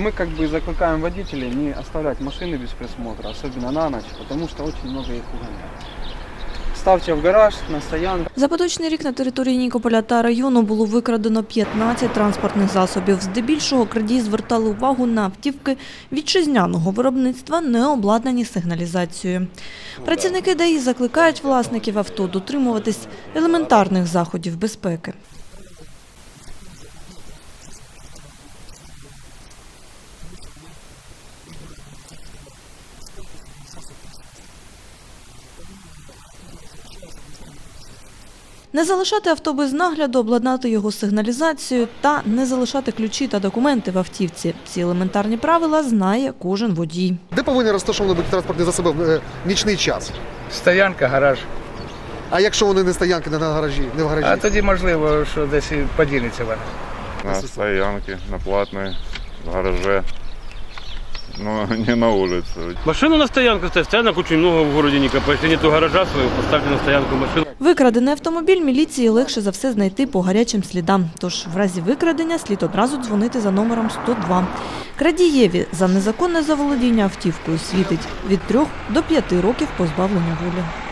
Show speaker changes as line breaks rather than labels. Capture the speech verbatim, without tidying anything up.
мы как бы закликаем водителей не оставлять машины без присмотра, особенно на ночь, потому что очень много их угоняют. Ставте в гараж, на стоянку.
За поточний рік на території Нікополя та району було викрадено п'ятнадцять транспортних засобів. Здебільшого крадії звертали увагу на автівки вітчизняного виробництва, не обладнані сигналізацією. Працівники ДАІ закликають власників авто дотримуватись елементарних заходів безпеки. Не залишати авто без нагляду, обладнати його сигналізацією та не залишати ключі та документи в автівці. Ці елементарні правила знає кожен водій.
Де повинні розташовані бути транспортні засоби в нічний час?
Стоянка, гараж.
А якщо вони не стоянки, не на гаражі, не в гаражі?
А тоді можливо, що десь і поділиться вона.
На стоянке, на платной, в гараже, но не на улице.
Машину на стоянку ставь, стоянок очень много в городе Никополь. Если нету гаража своего, поставьте на стоянку машину.
Викрадений автомобіль міліції легше за все знайти по гарячим слідам. Тож в разі викрадення слід одразу дзвонити за номером сто два. Крадієві за незаконне заволодіння автівкою світить від трьох до п'яти років позбавлення волі.